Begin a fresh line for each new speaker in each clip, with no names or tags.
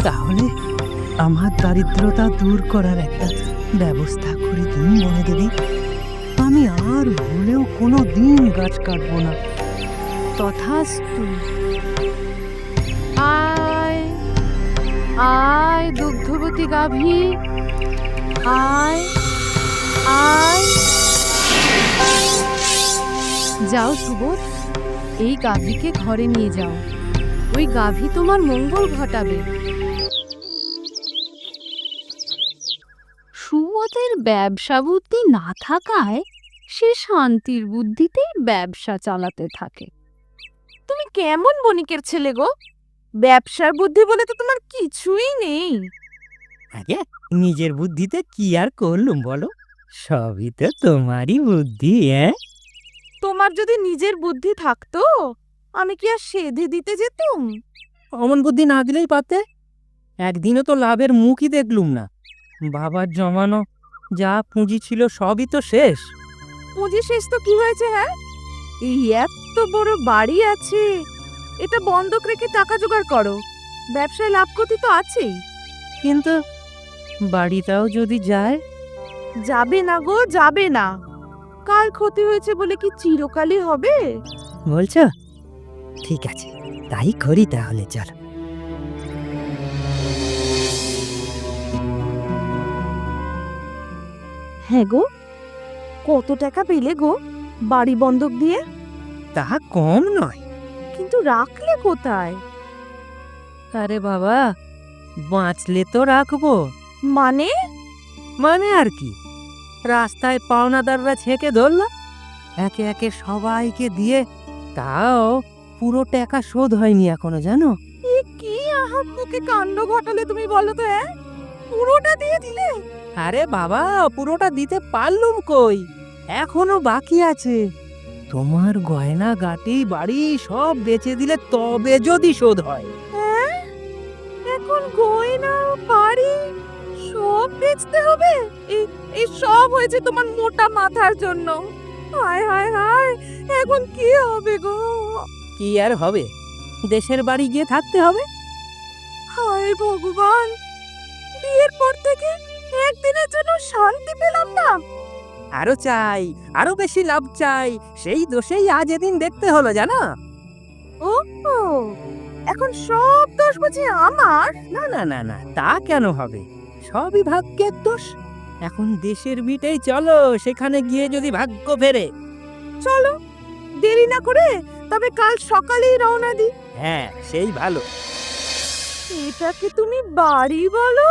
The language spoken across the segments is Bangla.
তাহলে আমার দারিদ্রতা দূর করার একটা ব্যবস্থা করে দিন বনদেবী। আমি আর ভুলেও কোনো দিন গাছ কাটবো না।
তথাস্তু। আয় আয় দুগ্ধবতী গাভী, আয় আয়। যাও সুবোধ, এই গাভীকে ঘরে নিয়ে যাও। ওই গাভী তোমার মঙ্গল ঘটাবে। সুবোধের ব্যবসা বুদ্ধি না থাকায় সে শান্তির বুদ্ধিতেই ব্যবসা চালাতে থাকে। তুমি কেমন বণিকের ছেলে গো? ব্যবসার বুদ্ধি বলে তো তোমার কিছুই নেই।
আগে নিজের বুদ্ধিতে কি আর করলুম বলো, সবই তো তোমারই বুদ্ধি।
তোমার যদি নিজের বুদ্ধি থাকতো, আমি কি আর সেধে দিতে যেতুম?
অমন বুদ্ধি না দিলেই পারতে। একদিনও তো লাভের মুখই দেখলুম না। বাবার জমানো যা পুঁজি ছিল সবই তো শেষ।
পুঁজি শেষ তো কি হয়েছে? হ্যাঁ, এই এত বড় বাড়ি আছে, এটা বন্ধক রেখে টাকা জোগাড় করো। ব্যবসায় লাভ ক্ষতি তো আছেই।
কিন্তু বাড়িটাও যদি যায়?
যাবে না গো, যাবে না। কাল ক্ষতি হয়েছে বলে কি চিরকালই হবে?
বলছো? ঠিক আছে, তাই করি তাহলে, চলো।
হ্যাঁ গো, কত টাকা পেলে গো বাড়ি বন্ধক দিয়ে?
তা কম নয়।
কিন্তু রাখলে কোথায়?
আরে বাবা, বাঁচলে তো রাখবো।
মানে?
মানে আর কি, রাস্তায় পাওনাদাররা ছেঁকে ধরল, একে একে সবাইকে দিয়ে, তাও পুরো টাকা শোধ হয়নি এখনো, জানো?
এ কি আহাম্মকে কাণ্ড ঘটালে তুমি বলো তো? পুরোটা দিয়ে দিলে?
আরে বাবা, পুরোটা দিতে পারলুম কই, এখনো বাকি আছে। তোমার গয়না গাটি বাড়ি সব বেচে দিলে তবে যদি শোধ হয়।
হ্যাঁ, এখন গয়না বাড়ি সব বেচতে হবে? এই সব হয়েছে তোমার মোটা মাথার জন্য। হায় হায় হায়, এখন কি হবে গো?
কি আর হবে, দেশের বাড়ি গিয়ে থাকতে হবে।
হায় ভগবান, বিয়ের পর থেকে একদিনের জন্য শান্তি পেলাম না।
আরো চাই, আরো বেশি লাভ চাই, সেই দোষেই আজ এদিন দেখতে হলো, জানো?
ও, এখন সব দোষ বুঝি আমার?
না না না না, তা কেন হবে? সবই ভাগ্যের দোষ। এখন দেশের বিটেই চলো, সেখানে গিয়ে যদি ভাগ্য ফেরে।
চলো, দেরি না করে তবে কাল সকালেই রওনা দিই।
হ্যাঁ, সেই ভালো।
এটাকে তুমি বাড়ি বলো?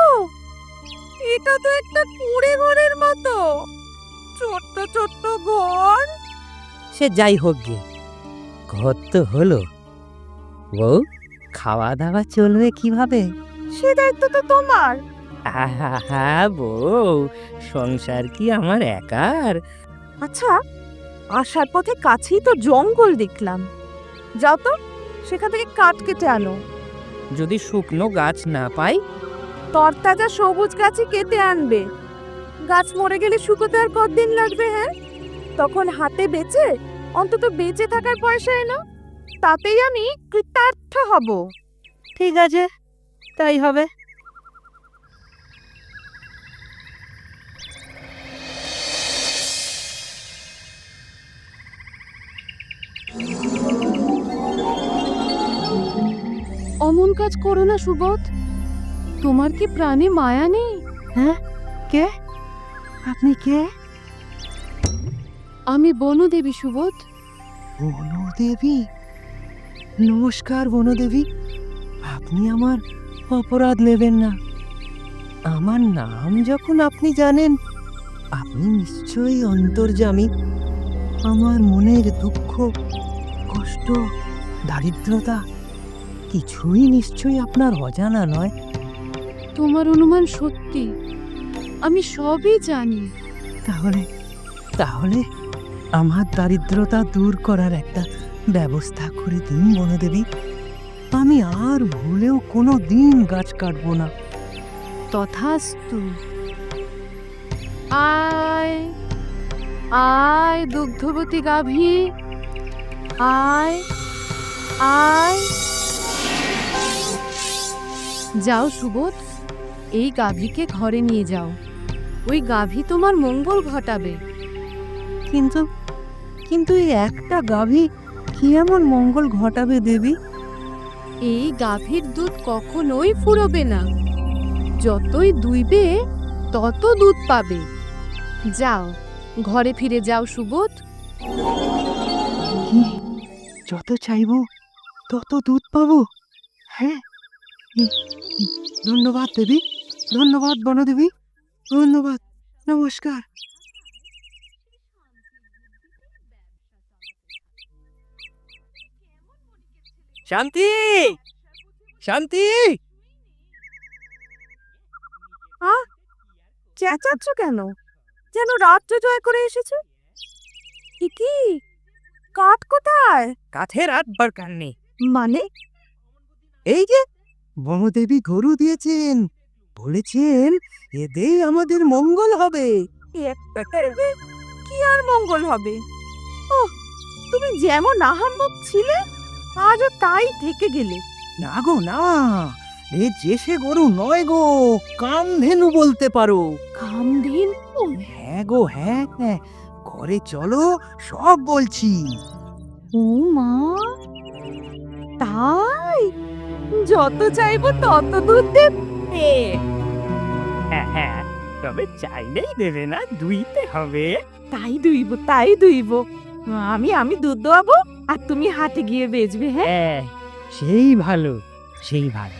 এটা তো একটা কুঁড়ে ঘরের মতো, ছোট্ট ছোট্ট ঘর।
সে যাই হোক গে, ঘর তো হলো। বউ, খাওয়া দাওয়া চলবে কিভাবে?
সে দায়িত্ব তো তোমার।
আহা বউ, সংসার কি আমার একার?
আচ্ছা, আসার পথে কাছেই তো জঙ্গল দেখলাম, যাও তো সেখান থেকে কাঠ কেটে আনো।
যদি শুকনো গাছ না পাই?
তরতাজা সবুজ গাছই কেটে আনবে। গাছ মরে গেলে শুকোতে আর কতদিন লাগবে? হ্যাঁ, তখন হাতে বেচে অন্তত বেঁচে থাকার পয়সা এনো, তাতেই আমি কৃতার্থ হব।
ঠিক আছে, তাই হবে।
অমন কাজ করো না সুবোধ, তোমার কি প্রাণে মায়া নেই?
হ্যাঁ, কে আপনি? কে?
আমি বনদেবী সুবোধ।
বনদেবী? নমস্কার বনদেবী, আপনি আমার অপরাধ নেবেন না। আমার নাম যখন আপনি জানেন, আপনি নিশ্চয়ই অন্তর্যামী। আমার মনের দুঃখ, কষ্ট, দারিদ্রতা কিছুই নিশ্চয়ই আপনার অজানা নয়।
তোমার অনুমান সত্যি, আমি সবই জানি।
তাহলে তাহলে আমার দারিদ্রতা দূর করার একটা ব্যবস্থা করে দিন বনদেবী। আমি আর ভুলেও কোনো দিন গাছ কাটবো না।
তথাস্তু। আয় আয় দুগ্ধবতী গাভী, আয় আয়। যাও সুবোধ, এই গাভীকে ঘরে নিয়ে যাও। ওই গাভী তোমার মঙ্গল ঘটাবে।
কিন্তু কিন্তু এই একটা গাভী কি এমন মঙ্গল ঘটাবে দেবী?
এই গাভীর দুধ কখনোই ফুরোবে না। যতই দুইবে তত দুধ পাবে। যাও, ঘরে ফিরে যাও সুবোধ।
কি যত চাইবো তত দুধ পাবো? হ্যাঁ, ধন্যবাদ দেবী, ধন্যবাদ বনদেবী, ধন্যবাদ, নমস্কার। শান্তি, শান্তি,
চেঁচাচ্ছ কেন? যেন রাত্রে জয় করে এসেছে। কি কাঠ কোথায়?
কাঠের আর দরকার নেই।
মানে
এই যে বনদেবী গরু দিয়েছেন, বলেছেন এতেই আমাদের মঙ্গল হবে।
কি আর মঙ্গল হবে? ও, তুমি যেমন আহাম্মক ছিলে আজও তাই থেকে গেলে।
না গো না, এ যে সে গরু নয় গো, কামধেনু বলতে পারো।
কামদিন
হ্যাঁ গো হ্যাঁ, ঘরে চলো সব বলছি।
ও মা, তাই যত চাইবো তত দুধ দেবে।
হ্যাঁ, তবে চাইলেই দেবে না, দুইতে হবে।
তাই দুইব। আমি দুধ দোয়াবো আর তুমি হাটে গিয়ে বেচবে। হ্যাঁ,
হ্যাঁ, সেই ভালো, সেই ভালো।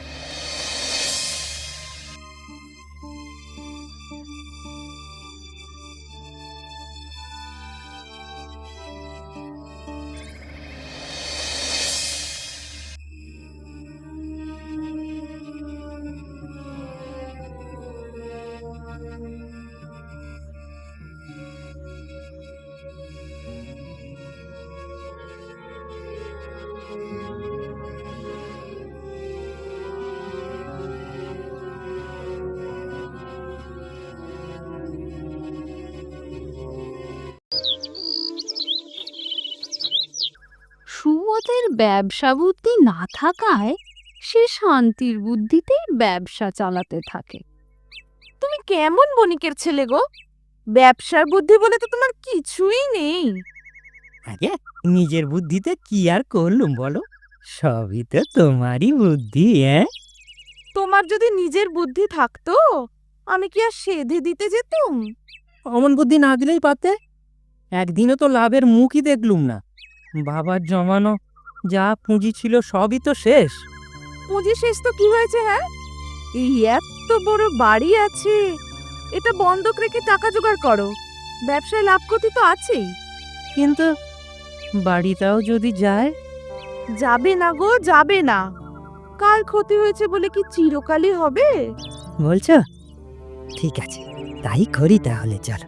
সুবোধের ব্যবসা বুদ্ধি না থাকায় সে শান্তির বুদ্ধিতেই ব্যবসা চালাতে থাকে। তুমি কেমন বণিকের ছেলে গো? ব্যবসার বুদ্ধি বলে তো তোমার কিছুই নেই।
আগে নিজের বুদ্ধিতে কি আর করলুম বলো, সবই তো তোমারই বুদ্ধি।
তোমার যদি নিজের বুদ্ধি থাকতো আমি কি আর সেধে দিতে যেতুম?
অমন বুদ্ধি না দিলেই পারতে। একদিনও তো লাভের মুখই দেখলুম না। বাবার জমানো যা পুঁজি ছিল সবই তো শেষ।
পুঁজি শেষ তো কি হয়েছে? হ্যাঁ, এই এত বড় বাড়ি আছে, এটা বন্ধক রেখে টাকা জোগাড় করো। ব্যবসায় লাভ ক্ষতি তো আছেই।
কিন্তু বাড়িটাও যদি যায়?
যাবে না গো, যাবে না। কাল ক্ষতি হয়েছে বলে কি চিরকালই হবে?
বলছো? ঠিক আছে, তাই করি তাহলে, চলো।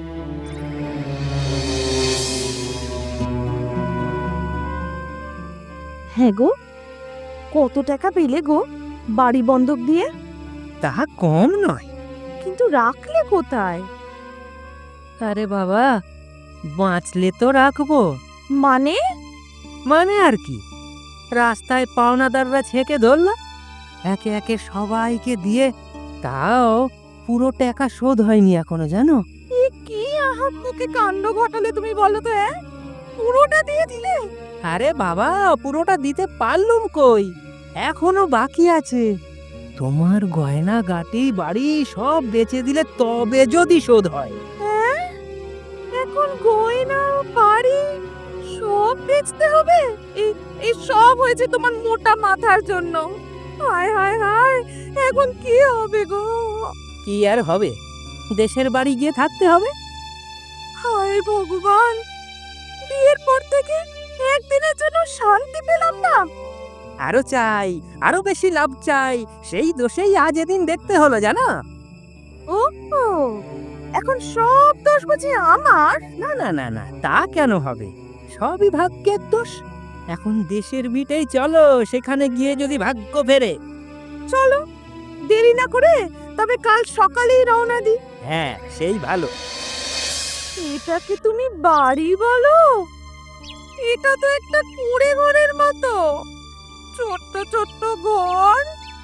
হ্যাঁ গো, কত টাকা পেলে গো বাড়ি বন্ধক দিয়ে?
তা কম নয়।
কিন্তু রাখলে কোথায়?
আরে বাবা, বাঁচলে তো রাখবো।
মানে
মানে আর কি, রাস্তায় পাওনাদাররা ছেঁকে ধরল, একে একে সবাইকে দিয়ে, তাও পুরো টাকা শোধ হয়নি এখনো, জানো?
কি আহাম্মকে কাণ্ড ঘটালে তুমি বলো তো? পুরোটা দিয়ে দিলে?
আরে বাবা, পুরোটা দিতে পারলুম কই, এখনো বাকি আছে। তোমার গয়না গাটি বাড়ি সব বেচে দিলে তবে যদি শোধ হয়।
এখন গয়না বাড়ি সব বেচতে হবে? এই সব হয়েছে তোমার মোটা মাথার জন্য। হায় হায় হায়, এখন কি হবে গো?
কি আর হবে, দেশের বাড়ি গিয়ে থাকতে হবে।
হায় ভগবান, বিয়ের পর থেকে একদিনের জন্য শান্তি পেলাম না।
আরো চাই, আরো বেশি লাভ চাই, সেই দোষেই আজ এদিন দেখতে হলো, জানো?
ও, এখন সব দোষ বুঝি আমার?
না না না না, তা কেন হবে? সবই ভাগ্যের দোষ। এখন দেশের বিটেই চলো, সেখানে গিয়ে যদি ভাগ্য ফেরে।
চলো, দেরি না করে তবে কাল সকালেই রওনা দিই।
হ্যাঁ, সেই ভালো।
এটাকে তুমি বাড়ি বলো? এটা তো একটা কুঁড়ে ঘরের মতো। ছোট্ট ছোট্ট ঘর,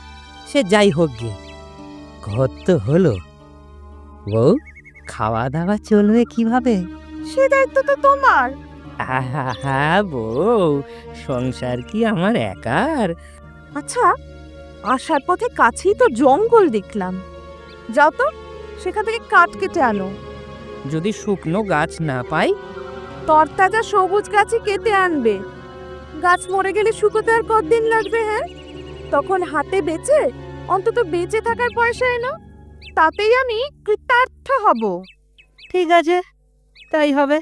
সে যাই হোক গে, ঘর তো হলো। বউ, খাওয়া দাওয়া চলবে কিভাবে?
সে দায়িত্ব তো তোমার।
আহা বউ, সংসার কি আমার একার?
আচ্ছা, আসার পথে কাছেই তো জঙ্গল দেখলাম, যাও তো সেখান থেকে কাঠ কেটে আনো।
যদি শুকনো গাছ না পাই?
তরতাজা সবুজ গাছই কেটে আনবে। গাছ মরে গেলে শুকোতে আর কতদিন লাগবে? হ্যাঁ, তখন হাতে বেচে অন্তত বেঁচে থাকার পয়সা এনো, তাতেই আমি কৃতার্থ হব।
ঠিক আছে, তাই হবে।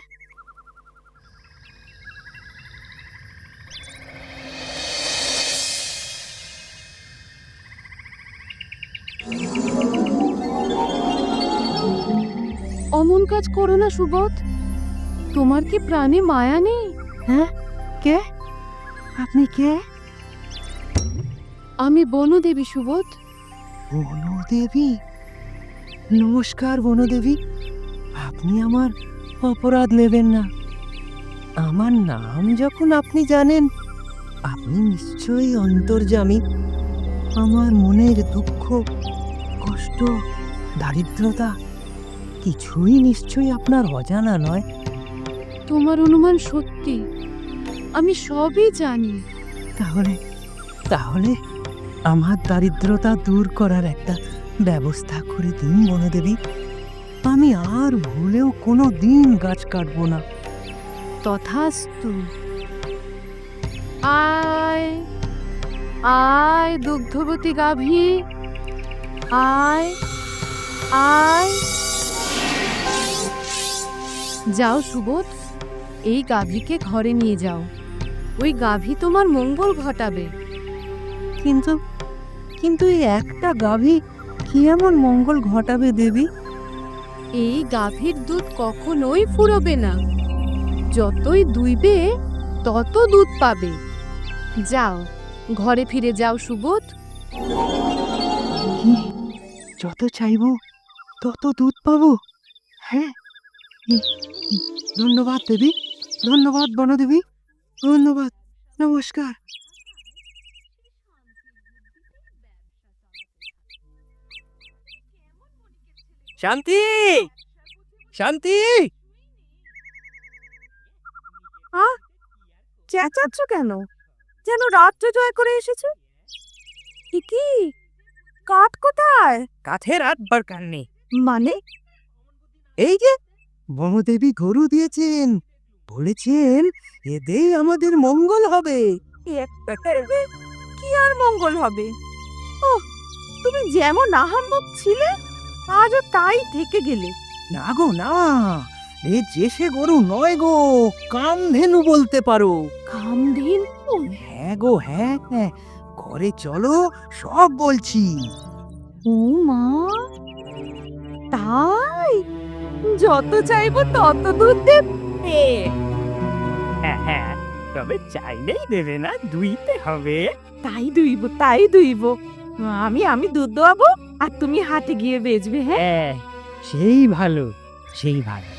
অমন কাজ করো না সুবোধ, তোমার কি প্রাণে মায়া নেই?
হ্যাঁ, কে? আপনি কে?
আমি বনদেবী সুবোধ।
বনদেবী? নমস্কার বনদেবী। আপনি আমার অপরাধ নেবেন না। আমার নাম যখন আপনি জানেন, আপনি নিশ্চয়ই অন্তর্যামী। আমার মনের দুঃখ, কষ্ট, দারিদ্রতা কিছুই নিশ্চয়ই আপনার অজানা নয়।
তোমার অনুমান সত্যি, আমি সবই জানি।
তাহলে তাহলে আমার দারিদ্রতা দূর করার একটা ব্যবস্থা করে দিন বনদেবী। আমি আর ভুলেও কোনো দিন গাছ কাটবো না।
তথাস্তু। আয় আয় দুগ্ধবতী গাভী, আয় আয়। যাও সুবোধ, এই গাভীকে ঘরে নিয়ে যাও। ওই গাভী তোমার মঙ্গল ঘটাবে।
কিন্তু কিন্তু এই একটা গাভী কি এমন মঙ্গল ঘটাবে দেবী?
এই গাভীর দুধ কখনোই ফুরোবে না। যতই দুইবে তত দুধ পাবে। যাও, ঘরে ফিরে যাও সুবোধ।
কি, যত চাইবো তত দুধ পাবো? হ্যাঁ, ধন্যবাদ দেবী, ধন্যবাদ বনদেবী, ধন্যবাদ, নমস্কার।
শান্তি, শান্তি!
চেঁচাচ্ছ কেন? যেন রাত্র জয় করে এসেছে। কি কাঠ কোথায়?
কাঠের আর দরকার নেই।
মানে?
এই যে বনদেবী গরু দিয়েছেন, বলেছেন এতেই আমাদের মঙ্গল হবে।
কি আর মঙ্গল হবে? ও, তুমি যেমন আহাম্মক ছিলে আজও তাই থেকে গেলে।
না গো না, এ যে সে গরু নয় গো, কামধেনু বলতে পারো।
কামদিন?
হ্যাঁ গো হ্যাঁ, ঘরে চলো, সব বলছি।
ও মা, তাই? যত চাইবো তত দুধ দেবে?
হ্যাঁ, তবে চাইলেই দেবে না, দুইতে হবে।
তাই দুইব। আমি দুধ দোয়াবো আর তুমি হাটে গিয়ে বেচবে। হ্যাঁ,
সেই ভালো, সেই ভালো।